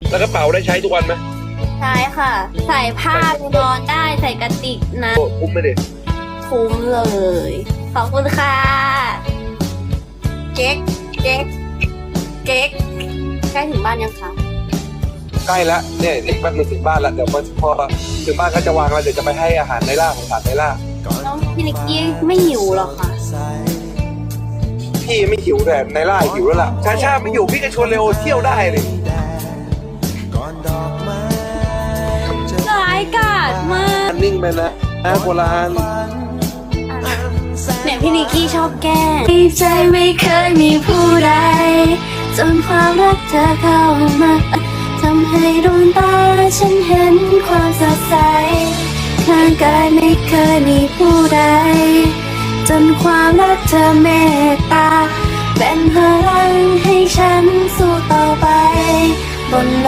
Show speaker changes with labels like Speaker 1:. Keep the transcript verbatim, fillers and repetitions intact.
Speaker 1: แล้วกระเป๋าได้ใช้ทุกวันไหม
Speaker 2: ใช่ค่ะ ใส่ผ้านอนได้ใส่กระติกนะ
Speaker 1: โอ้คุ้มไหมเด็ก
Speaker 2: คุ้มเลย ขอบคุณค่ะ เก๊กเก๊กเก๊กใกล้ถึงบ้านยังคะ
Speaker 1: ใกล้แล้วเนี่ยอีกแป๊บนึงถึงบ้านแล้วเดี๋ยวพอพอถึงบ้านก็จะวางแล้วเดี๋ยวจะไปให้อาหารในล่าของสารในล่า
Speaker 2: น้องพี่นิกกี้ไม่หิวหรอคะ
Speaker 1: พี่ไม่หิวแต่ในล่าหิวแล้วล่ะชาชาไม่อยู่พี่จะชวนเลโอเที่ยวได้เลย
Speaker 2: ร้ายกาจมาก
Speaker 1: นิ่งไปนะนะโบราณ
Speaker 2: เนี่ยพี่นิกกี้ชอบแกล้งใจไม่เคยมีผู้ใดจนความรักเธอเข้ามาทำให้ดวงตาฉันเห็นความสดใสร่างกายไม่เคยมีผู้ใดจนความรักเธอเมตตาเป็นพลังให้ฉันสู้ต่อไปบน